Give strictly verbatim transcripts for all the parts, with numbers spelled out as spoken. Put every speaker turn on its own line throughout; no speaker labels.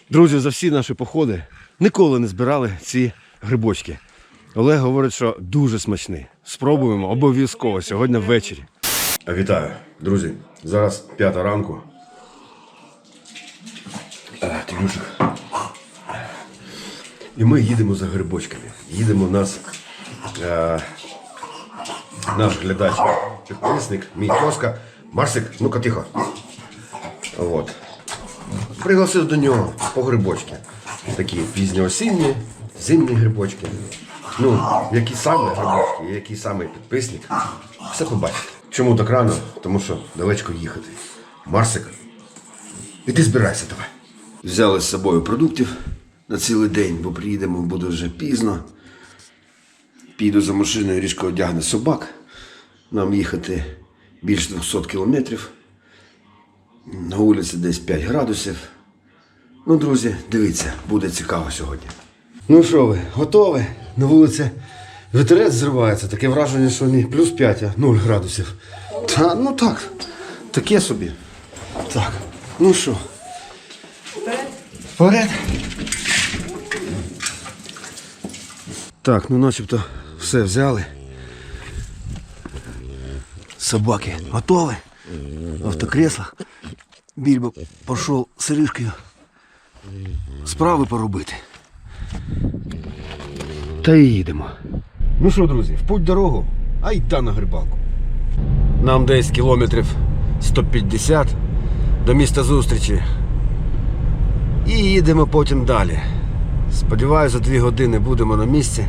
Друзі, за всі наші походи ніколи не збирали ці грибочки. Олег говорить, що дуже смачний. Спробуємо обов'язково сьогодні ввечері. Вітаю, друзі. Зараз п'ята ранку. Тимюшик. І ми їдемо за грибочками. Їдемо нас, е, наш глядач, підписник, мій Тоска. Марсик, ну-ка тихо. От. Пригласив до нього по грибочки. Такі пізньоосінні, зимні грибочки. Ну, які саме грибочки, який саме підписник. Все побачите. Чому так рано? Тому що далечко їхати. Марсик, іди збирайся давай. Взяли з собою продуктів на цілий день, бо приїдемо, буде вже пізно. Піду за машиною, різко одягну собак. Нам їхати більше двохсот кілометрів. На вулиці десь п'ять градусів. Ну, друзі, дивіться, буде цікаво сьогодні. Ну що ви, готові? На вулиці вітерець зривається. Таке враження, що не плюс п'ять, а нуль градусів. Та, ну так, таке собі. Так, ну що? Вперед. Вперед. Так, ну начебто все взяли. Собаки готові. Автокресло. Більбо пішов з Иришкою справи поробити. Та й їдемо. Ну що, друзі, в путь дорогу, а й та на грибалку. Нам десь кілометрів сто п'ятдесят до міста зустрічі. І їдемо потім далі. Сподіваюся, за дві години будемо на місці.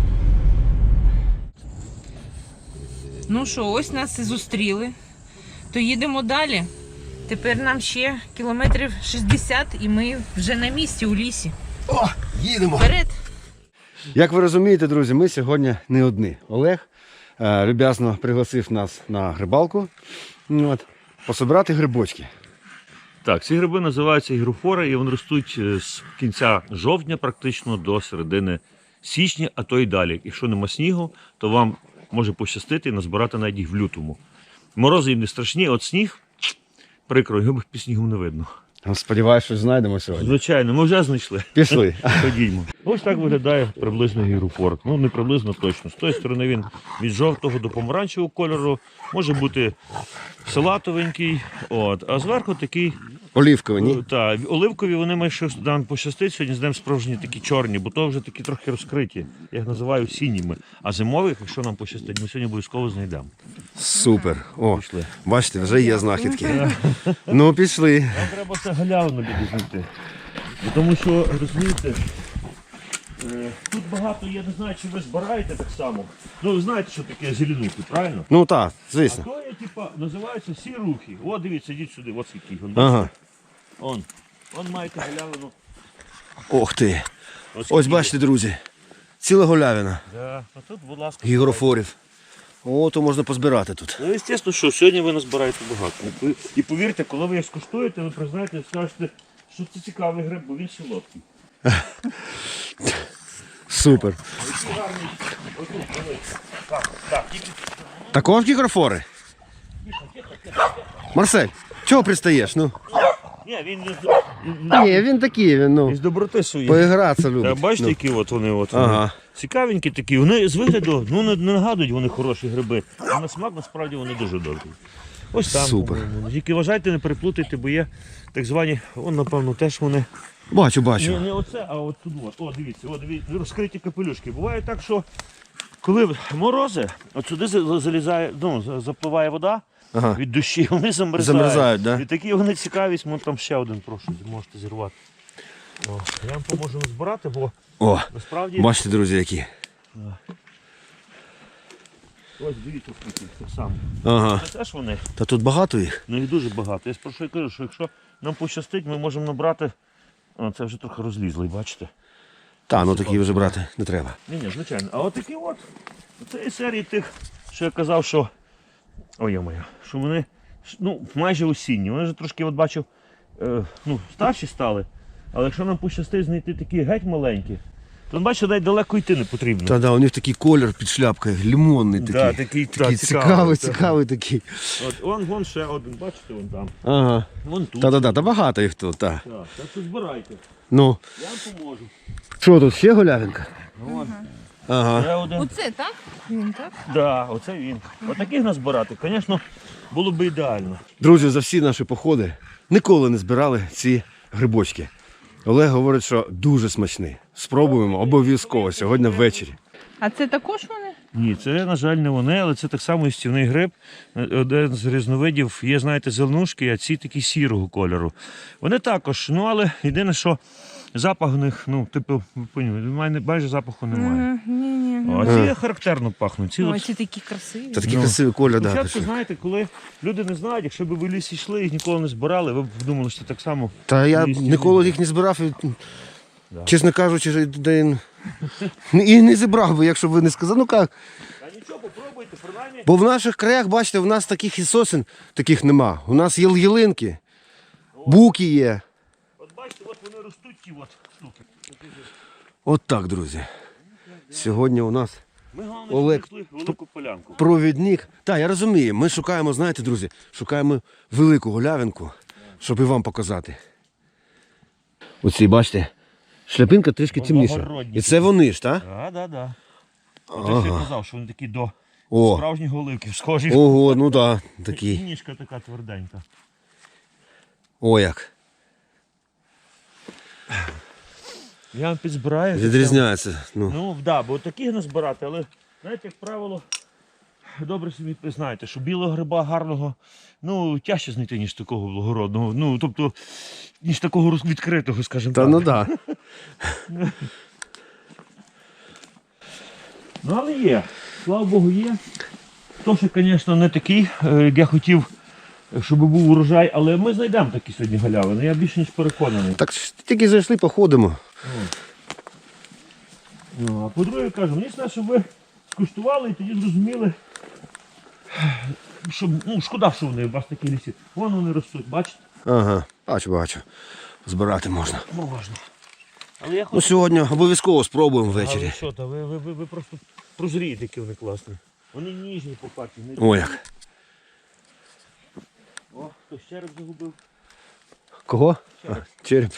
Ну що, ось нас і зустріли. То їдемо далі. Тепер нам ще кілометрів шістдесят і ми вже на місці у лісі.
О, їдемо!
Вперед!
Як ви розумієте, друзі, ми сьогодні не одні. Олег е, люб'язно пригласив нас на грибалку, от, пособирати грибочки.
Так, ці гриби називаються гігрофори, і вони ростуть з кінця жовтня практично до середини січня, а то й далі. Якщо нема снігу, то вам може пощастити і назбирати навіть їх в лютому. Морози їм не страшні, от сніг, прикро, його під снігом не видно.
Сподіваюсь, що знайдемо сьогодні.
Звичайно, ми вже знайшли.
Пішли.
Ходімо. Ось так виглядає приблизно гігрофор. Ну, не приблизно точно. З тої сторони він від жовтого до помаранчевого кольору, може бути салатовенький, от, а зверху такий
Олівкові, ні?
та, оливкові, вони має щось нам пощастить, сьогодні з ним справжні такі чорні, бо то вже такі трохи розкриті. Я їх називаю сініми. А зимових, якщо нам пощастить, ми сьогодні обов'язково знайдемо.
Супер. О,
Пішли.
бачите, вже є знахідки. Ну, пішли.
Нам треба це галявину люди знайти. Бо тому що, розумієте, е, тут багато, я не знаю, чи ви збираєте так само. Ну, ви знаєте, що таке зеленухи, правильно?
Ну так,
А
звісно.
то є, типа, називаються сірухи. О, дивіться, йдіть сюди, ось який. Он,
Ага.
он, он маєте галявину.
Ох ти.
Ось,
Ось
який.
бачите, друзі, ціла голявина
Да. А тут, будь ласка.
гігрофорів. О, то можна позбирати тут.
Ну, звісно, що сьогодні ви назбираєте багато. І повірте, коли ви їх скуштуєте, ви признаєте, скажете, що це цікавий гриб, бо він солодкий.
Супер.
Який гарний. Отут, дивіться. Так, так, тільки.
Також гігрофори? Марсель, чого пристаєш? Ну?
Ні, він не з,
Ні, він такий, він, ну,
з доброти своєї.
поігратися
Та
любить.
бачите,
Ну.
які от вони, от вони.
Ага.
Цікавенькі такі. Вони з вигляду, ну не, не нагадують вони хороші гриби. А на смак насправді вони дуже добрі. Ось там.
Супер.
по-моєму. Тільки вважайте, не переплутайте, бо є так звані, он, напевно, теж вони.
Бачу,
Не,
бачу.
не оце, а от тут. От. О, дивіться, о, дивіться, розкриті капелюшки. Буває так, що коли морози, от сюди за- залізає, ну, за- запливає вода
Ага.
від душі, вони замерзають.
Замерзають, да?
І такі вони цікавість, ну там ще один, прошу, можете зірвати. О, я вам поможу назбирати, бо
О,
насправді.
бачите, друзі, які.
Ось дивіться, скільки так само.
Ага.
Це теж вони,
Та тут багато їх?
ну їх дуже багато. Я про що я кажу, що якщо нам пощастить, ми можемо набрати. О, це вже трохи розлізлий, бачите?
Та, ну такі вже брати не треба.
Ні, ні, звичайно. А от такі от, цієї серії тих, що я казав, що. Ой, моя, що вони ну, майже осінні. Вони вже трошки, от бачив, е, ну, старші стали. Але якщо нам пощастить знайти такі геть маленькі, Тут бачите, навіть далеко йти не потрібно.
Та да, у них такий колір під шляпкою, лимонний такий.
Да, такий, та,
такий
цікавий,
цікавий,
так.
цікавий такий.
От, вон, вон ще один, бачите, вон там.
Ага.
Вон тут.
Та-да-да, та багато їх тут, так.
Так, так що збирайте.
Ну,
Я вам поможу.
що тут, ще голявинка?
Вон.
Ага.
Ще один.
Оце так? Він так?
Да, оце він. Отаких назбирати, звісно, було б ідеально.
Друзі, за всі наші походи ніколи не збирали ці грибочки. Олег говорить, що дуже смачні. Спробуємо обов'язково сьогодні ввечері.
А це також вони?
Ні, це, на жаль, не вони, але це так само істівний гриб. Один з різновидів є, знаєте, зеленушки, а ці такі сірого кольору. Вони також, ну але єдине, що запах у них, ну, типу, ви поняли, майже запаху немає.
Ні, ні.
А ці характерно пахнуть. Ці
Ой,
от...
ці такі красиві.
Та такий
Ну,
красивий колір, да.
Спочатку,
пішов.
знаєте, коли люди не знають, якщо б ви в лісі йшли і ніколи не збирали, ви б думали, що так само.
Та я
лісі
ніколи їх не збирав і, чесно кажучи, де і, і не зібрав би, якщо б ви не сказали. Ну як?
А нічого, попробуйте, принаймні.
Бо в наших краях, бачите, в нас таких і сосен таких нема. У нас є ялинки, буки є.
От бачите, от вони ростуть ті от штуки.
От так, друзі. Сьогодні у нас
Ми головне,
Олег,
знайшли велику полянку.
провідник. Так, я розумію. Ми шукаємо, знаєте, друзі, шукаємо велику голявинку, щоб і вам показати. Оці, бачите, шляпинка трішки темніша.
Благородні
І це вони ж, так?
Так, так, так. От я казав, що вони такі до
О.
справжніх оливків схожі.
Ого, ну так,
І
такі.
ніжка така тверденька.
О, як.
Я вам підзбираю.
Відрізняється. Ну.
Ну, так, да, бо таких не збирати, але, знаєте, як правило, добре собі знаєте, що білого гриба гарного, ну, тяжче знайти, ніж такого благородного. Ну, тобто, ніж такого роз- відкритого, скажімо
Та
так.
ну так.
Ну, але є. Слава Богу, є. То, що, звісно, не такий, е, як я хотів, щоб був урожай, але ми знайдемо такі сьогодні галявини. Я більше ніж переконаний.
Так ж тільки зайшли, походимо.
Ну, а по-друге, кажу, мені треба, щоб ви скуштували і тоді зрозуміли, що, ну, шкода, що вони у вас такі лісі. Вон вони ростуть, бачите?
Ага, бачу, бачу. Збирати можна.
Можна. Але я
Ну
хочу...
сьогодні обов'язково спробуємо
Але
ввечері.
що, та ви, ви, ви, ви просто прозрієте, які вони класні. Вони ніжні по парті. Не...
О, як.
О, хтось череп загубив.
Кого? А, череп.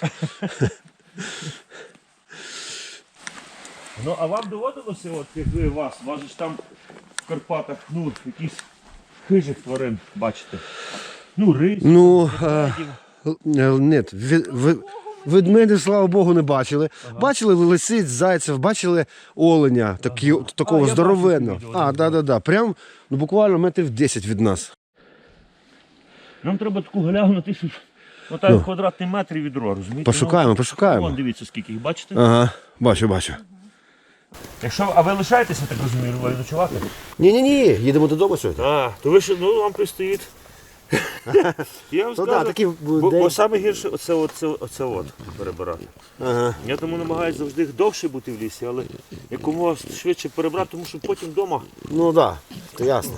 Ну, а вам доводилося, от як ви вас, вас же ж там в Карпатах, ну, якісь хижих тварин бачите? Ну, рись,
Ну, а,
ведмедів.
е, ні, ви- ви- ведмедів, слава Богу, не бачили. Бачили лисиць, зайців, бачили оленя, такі, такого
А, я
здоровенного.
бачив відео,
А,
да.
так, так, так. Прям ну, буквально метрів десять від нас.
Нам треба таку галявину на тисячу, отак
Ну.
квадратний метр і відро, розумієте?
Пошукаємо,
Ну,
пошукаємо.
Вон, дивіться, скільки їх, бачите?
Ага, бачу, бачу.
Якщо, а ви лишаєтеся, так розумію, ви ночувати?
Ні-ні-ні, їдемо додому сьогодні.
А, то ви ще, ну, вам пристоїть. Я вам
Ну
скажу,
да, такі
бо,
день-
бо саме гірше оце, оце, оце от перебирати.
Ага.
Я тому намагаюся завжди довше бути в лісі, але якомога швидше перебрати, тому що потім вдома
Ну так, да, це ясно.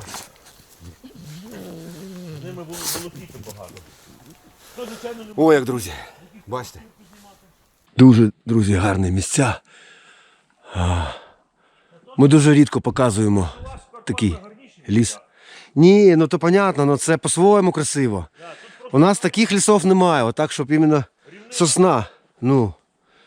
з ними було волокіти багато. То, звичайно, не
О, як, друзі, бачите? Дуже, друзі, гарні місця. А, Ми дуже рідко показуємо такий ліс. Ні, ну то понятно, ну це по-своєму красиво. У нас таких лісів немає, отак, щоб іменно сосна. Ну.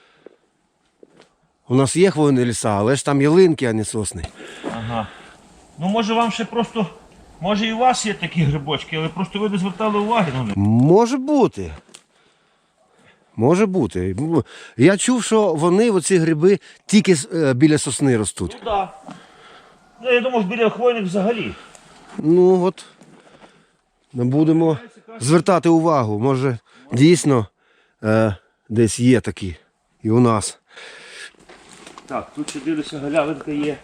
У нас є хвойні ліса, але ж там ялинки, а не сосни.
Ага. Ну може вам ще просто, може і у вас є такі грибочки, але просто ви не звертали уваги на них.
Може бути. Може бути. Я чув, що вони, оці гриби, тільки е, біля сосни ростуть.
Ну так. Ну, я думав, біля хвойних взагалі.
Ну от, ми будемо звертати увагу. Може, дійсно е, десь є такі і у нас.
Так, тут ще дивлюся, галявинка є.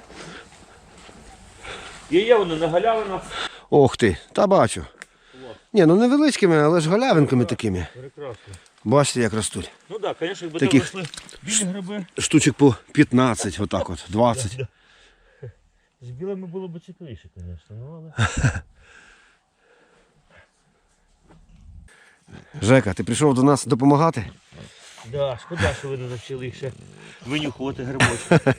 Є, є вони на галявинах.
Ох ти, та бачу. Ні, ну невеличкими, але ж галявинками такими.
Прекрасно.
Бачите, як ростуть.
Ну так, звісно, якби
Таких-
там росли білі гриби.
Штучок по п'ятнадцять, отак от, двадцять.
З білими було б цікавіше, звісно, ну але.
Жека, ти прийшов до нас допомагати?
Да, шкода, що ви не навчили їх ще винюхувати грибочки.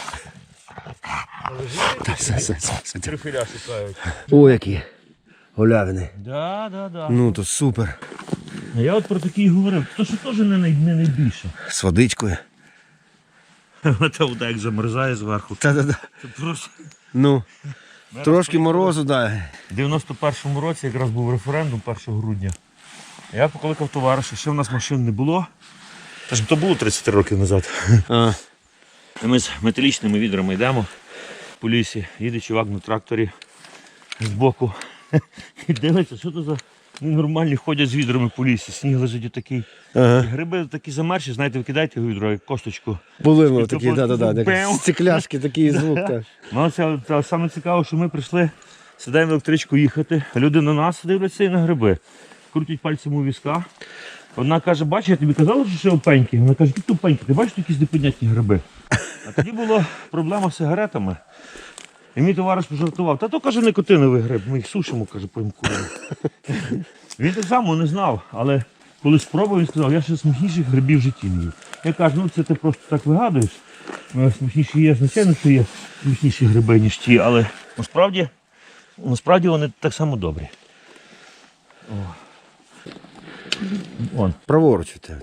Трюфеля шукають.
О, які голявини.
Да, да, да.
Ну, то супер.
А я от про такі говорив, то що теж не, най, не найбільше.
З водичкою.
Та вода як замерзає зверху.
Та-та-та.
Це просто...
Ну, трошки морозу, дай.
В дев'яносто першому році якраз був референдум першого грудня. Я покликав товариша, ще в нас машин не було. Та ж то було тридцять років назад.
А.
І ми з металічними відрами йдемо по лісі, їде чувак на тракторі збоку. І дивиться, що то за нормальні ходять з відрами по лісі. Сніг лежить отакий.
Ага.
І гриби такі замерзші, знаєте, ви кидаєте в відро, як косточку.
Були ми
І
такі,
то
да-да-да,
просто
такі
бем.
стекляшки, такий звук. Так.
Ну, це, це саме цікаво, що ми прийшли, сідаємо в електричку їхати, а люди на нас дивляться і на гриби. Крутять пальцем у візка. Одна каже, бачиш, я тобі казала, що ще опеньки. Вона каже, які тупенькі, ти бачиш якісь непонятні гриби. А тоді була проблема з сигаретами. І мій товариш пожартував, та то, каже, никотиновий гриб, ми їх сушимо, каже, поїмкуємо. Він так само не знав, але коли спробував, він сказав, я ще смачніших грибів в житті не їв. Я кажу, ну це ти просто так вигадуєш. Смачніші є, звичайно, що є смачніші гриби, ніж ті, але насправді, насправді вони так само добрі. О. Вон.
Праворуч від тебе.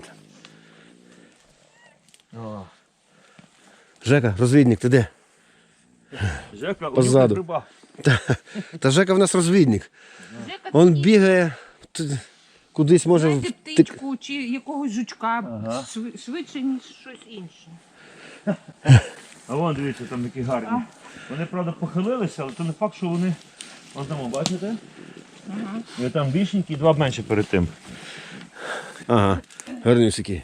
О.
Жека, розвідник, ти де?
Жека,
Позаду.
гриба.
Та, та Жека в нас розвідник. Он бігає, т- кудись може...
Знаєте,
втик-
птичку чи якогось жучка
Ага.
шви- швидше, ніж щось інше.
А вон, дивіться, там такі гарні. Вони, правда, похилилися, але то не факт, що вони... Ось там, бачите?
Ага.
І там більшенькі, і два менше перед тим.
Ага, гарнюсики.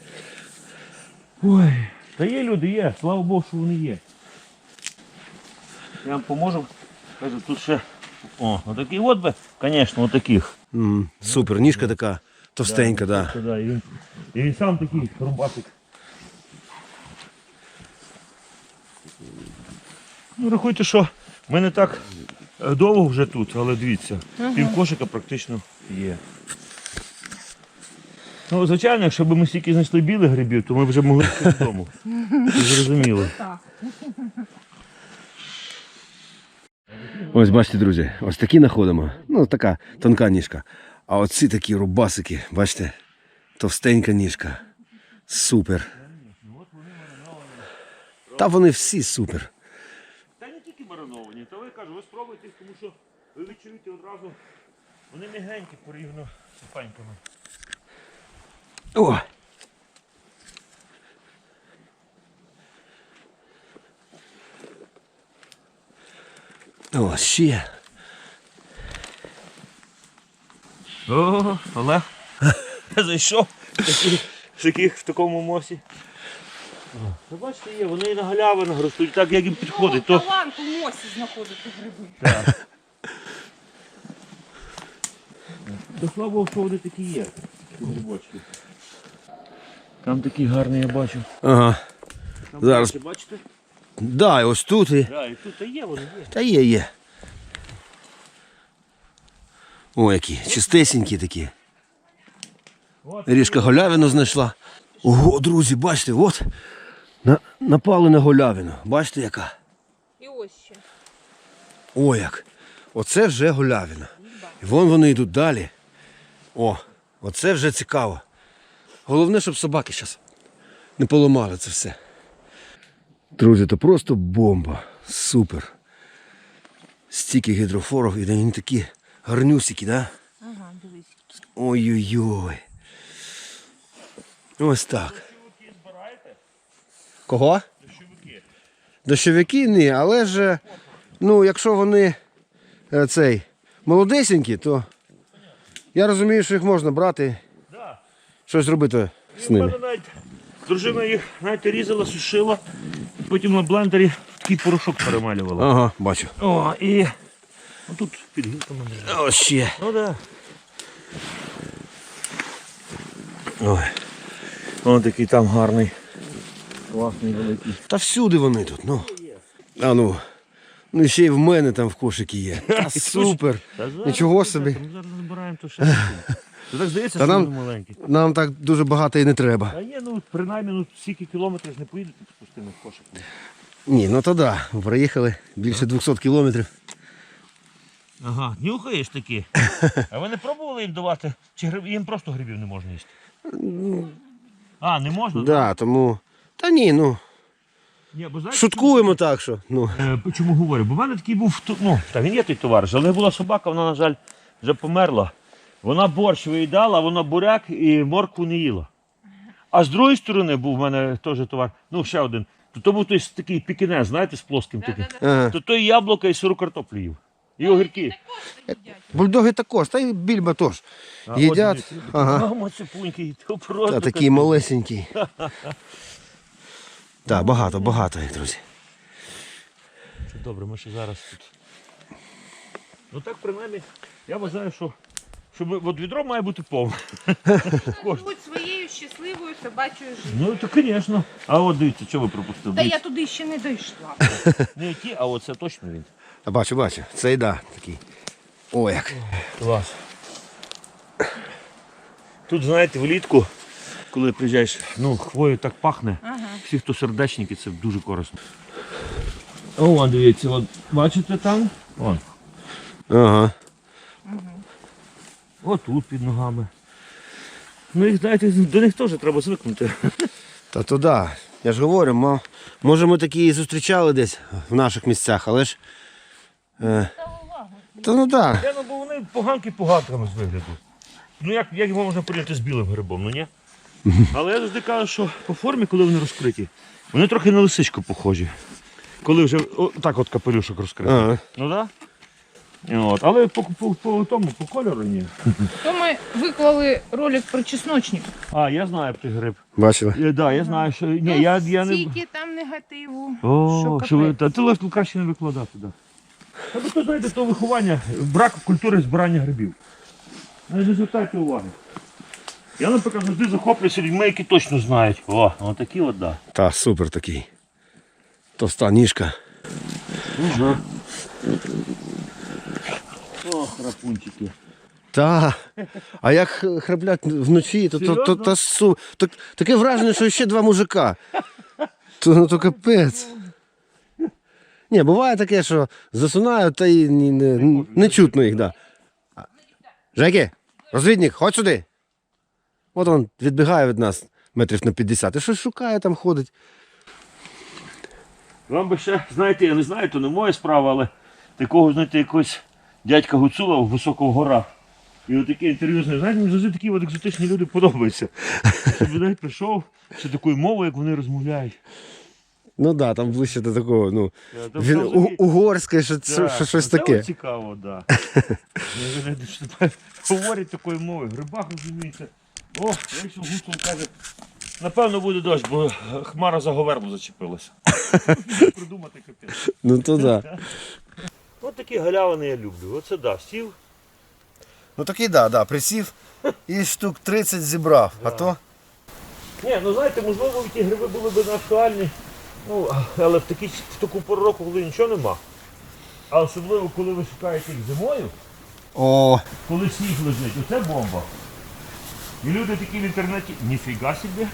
Ой, та є люди, є, слава Богу, що вони є. Я вам поможу. Кажу, тут ще. О, отакі от би, звісно, отаких.
М, супер, ніжка така товстенька, да.
Це, да, і, він, і він сам такий рубатик. Ну, рахуйте, що ми не так е, довго вже тут, але дивіться, пів кошика практично є. Ну, звичайно, якщо б ми стільки знайшли білих грибів, то ми вже могли йти додому. Це зрозуміло.
Так.
Ось бачите, друзі, ось такі знаходимо. Ну, така тонка ніжка. А оці такі рубасики, бачите, товстенька ніжка. Супер. Та вони всі супер.
Та не тільки мариновані, то ви кажу, ви спробуйте, тому що ви відчуєте одразу, вони м'ягенькі порівняно з паньками.
О! О, ще.
О, Олег, я зайшов в таких, в таких в такому мосі. Ви бачите, є, вони і на галявинах ростуть, так як їм підходить. То...
Талант у мосі знаходити гриби.
Так. То слава Богу, що вони такі є, ці грибочки. Там такий гарний, я бачу.
Ага.
Там
Зараз.
бачите, бачите?
Да, і ось тут і.
Да, і тут та є, вони є.
Та є, є. О, які чистесенькі такі.
От,
Ріжка голявину знайшла. Ого, друзі, бачите, от на, напали на голявину. Бачите, яка?
І ось ще.
О, як. Оце вже голявина. І вон вони йдуть далі. О, оце вже цікаво. Головне, щоб собаки зараз не поламали це все. Друзі, то просто бомба. Супер. Стільки гідрофорів, і вони такі гарнюсики, да?
Ага, дивись.
Ой-ой-ой. Ось так. Кого?
дощовики.
Дощовики ні, але ж, ну, якщо вони е, цей, молодесенькі, то я розумію, що їх можна брати,
Да.
щось робити з
У
ними.
мене навіть дружина їх навіть різала, сушила, потім на блендері в такий порошок перемалювала.
Ага, бачу.
О, і ну, тут під гілками лежить.
Ось ще.
Ну да.
Ой.
Ось такий там гарний. Класний великий.
Та всюди вони тут, ну. А ну. Ну і ще й в мене там в кошикі є. Та супер.
Та зараз,
Нічого собі.
Ми зараз збираємо то ще. Це так здається,
Та
що
нам-
вони маленькі.
Нам так дуже багато і не треба.
Та є, ну принаймні, ну стільки кілометрів ж не поїдете з пустими кошиками.
Ні, ну то да. Проїхали більше двохсот кілометрів.
Ага, нюхаєш такі. А ви не пробували їм давати? Чи гриб... їм просто грибів не можна їсти? А, не можна?
Да, тому. Та ні, ну.
Ні, бо знаєте,
Шуткуємо так, що. Ну.
Е, Чому говорю? Бо в мене такий був, ту- ну, та він є той товариш, але була собака, вона, на жаль, вже померла. Вона борщ виїдала, вона буряк і моркву не їла. А з другої сторони був в мене теж товар, ну ще один. То, то був той с- такий пікінез, знаєте, з плоским таким.
Ага.
То той яблука і сиру картоплю їв. І огірки.
Бульдоги також, та й більба теж.
А,
Їдять.
от, дивіться,
Ага.
Мамо, цепунький, то просто.
Та такий малесенький. Так, багато, багато їх, друзі.
Це добре, ми ще зараз тут. Ну так, принаймні, я вважаю, що, що ми- от відро має бути повне.
Живуть своєю щасливою собачою життю.
Ну, то, звісно. А от дивіться, що ви пропустили?
Та я
Дивіться.
туди ще не дійшла.
Не ті, а оце точно він.
А бачу, бачу. Цей да, такий. О, як.
Клас. Тут, знаєте, влітку, коли приїжджаєш, ну, хвою так пахне.
Ага.
Всі, хто сердечники, це дуже корисно. О, вон, дивіться, от, бачите там? Вон.
Ага.
Отут під ногами. Ну, їх, знаєте, до них теж треба звикнути.
Та то да. Я ж говорю, мо- може ми такі і зустрічали десь в наших місцях, але ж. Е, та ну так.
Я, ну, бо вони поганки поганками з вигляду. Ну, як, як його можна порівняти з білим грибом, ну ні? Але я завжди кажу, що по формі, коли вони розкриті, вони трохи на лисичку похожі. Коли вже о, так от капелюшок розкритий.
Ага.
Ну так? Да? От. Але по, по, по тому, по кольору ні.
То ми виклали ролик про чесночник.
А, я знаю про гриб.
Бачили?
Так, да, я знаю, що. Ні, я, я не.
Стільки там негативу.
О, що ви,
капець.
та ти легко краще не викладати, так. Да. Та ви то знаєте, то виховання, брак культури збирання грибів. Не звертайте уваги. Я, наприклад, завжди захоплююся людьми, які точно знають. О, отакі от, да.
Та, супер такий. Товста ніжка.
Угу. О, храпунчики.
Та. А як х- храплять вночі, то, то, то,
Серйозно?
то, су... то таке враження, що ще два мужика. То, ну, то капець. Ні, буває таке, що засунають та й не, не, не чутно їх, да. А, Жеки, розвідник, ходь сюди. От він відбігає від нас метрів на п'ятдесят і щось шукає, там ходить.
Вам би ще, знаєте, я не знаю, то не моя справа, але такого, знаєте, якогось дядька Гуцула в високих горах. І отаке інтерв'ю з ним, знаєте, мені завжди такі от екзотичні люди подобаються. Щоб він навіть прийшов, ще такою мовою, як вони розмовляють.
Ну так, да, там ближче до такого, ну,
Я там
він,
взагалі-
у, угорське, що,
Так,
що, щось
оце
таке.
от цікаво, так. Да. Я знаю, що тепер говорять такою мовою, грибах розуміється. О, якщо Гуцул каже, напевно буде дощ, бо хмара за говерло зачепилася. Придумати капець.
Ну то да.
От такі галявини я люблю. Оце да, сів.
Ну такий да, да, присів і штук тридцять зібрав, а то.
Ні, ну знаєте, можливо, ті гриби були б не актуальні, ну, але в, такі, в таку пору року, коли нічого нема. А особливо, коли ви шукаєте їх зимою,
О,
коли сніг лежить, оце бомба. І люди такі в інтернеті, ніфіга собі.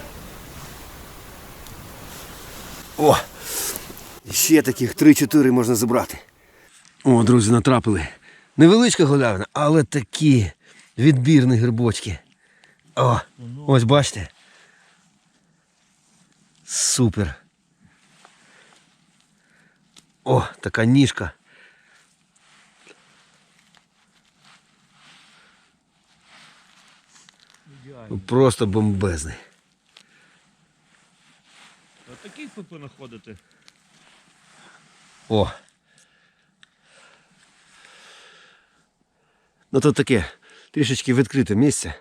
о! Ще таких три-чотири можна забрати. О, друзі, натрапили. Невеличка галявина, але такі відбірні грибочки. О, ось бачите. Супер. О, така ніжка. Просто бомбезний.
А таких ви понаходите.
О. Ну тут таке трішечки відкрите місце.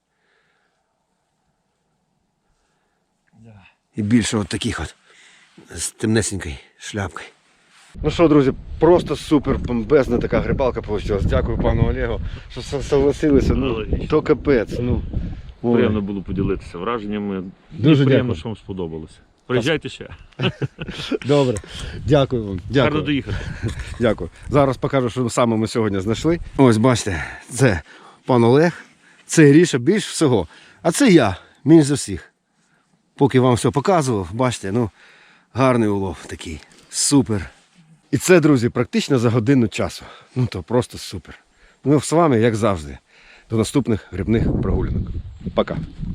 Да.
І більше от таких от з темнесенькою шляпкою. Ну що, друзі, просто супер бомбезна така грибалка вийшла. Дякую пану Олегу, що со- согласилися. Ну,
Логічно.
то капець. Ну, ой.
Приємно було поділитися враженнями.
Дуже
І приємно,
дякую.
що вам сподобалося. Приїжджайте ще.
Добре. Дякую вам.
Гарно
Дякую.
доїхати.
Дякую. Зараз покажу, що саме ми сьогодні знайшли. Ось бачите, це пан Олег. Це Гріша більш всього. А це я, менш за всіх. Поки вам все показував, бачите, ну, гарний улов такий. Супер. І це, друзі, практично за годину часу. Ну то просто супер. Ну, з вами, як завжди. До наступних грибних прогулянок. Пока.